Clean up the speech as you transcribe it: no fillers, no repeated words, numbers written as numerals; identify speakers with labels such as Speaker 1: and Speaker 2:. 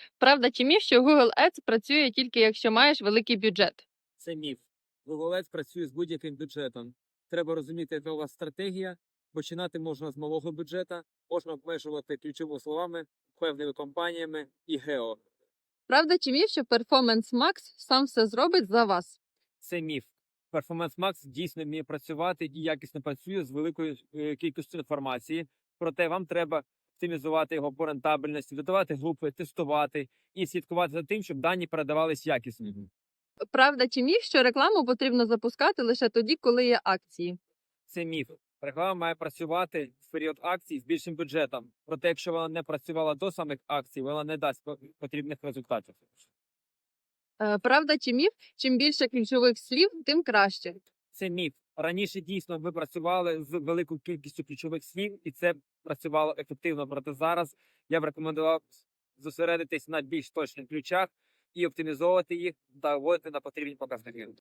Speaker 1: Правда чи міф, що Google Ads працює тільки якщо маєш великий бюджет?
Speaker 2: Це міф. Google Ads працює з будь-яким бюджетом. Треба розуміти, яка у вас стратегія. Починати можна з малого бюджета, можна обмежувати ключовими словами, певними компаніями і гео.
Speaker 1: Правда чи міф, що Performance Max сам все зробить за вас?
Speaker 2: Це міф. Performance Max дійсно вміє працювати і якісно працює з великою кількістю інформації. Проте вам треба оптимізувати його по рентабельності, додавати групи, тестувати і слідкувати за тим, щоб дані передавались якісно.
Speaker 1: Правда чи міф, що рекламу потрібно запускати лише тоді, коли є акції?
Speaker 2: Це міф. Реклама має працювати в період акцій з більшим бюджетом. Проте, якщо вона не працювала до самих акцій, вона не дасть потрібних результатів.
Speaker 1: Правда чи міф, чим більше ключових слів, тим краще?
Speaker 2: Це міф. Раніше дійсно ми працювали з великою кількістю ключових слів, і це працювало ефективно. Проте зараз я б рекомендував зосередитись на більш точних ключах і оптимізовувати їх та вводити на потрібні показники.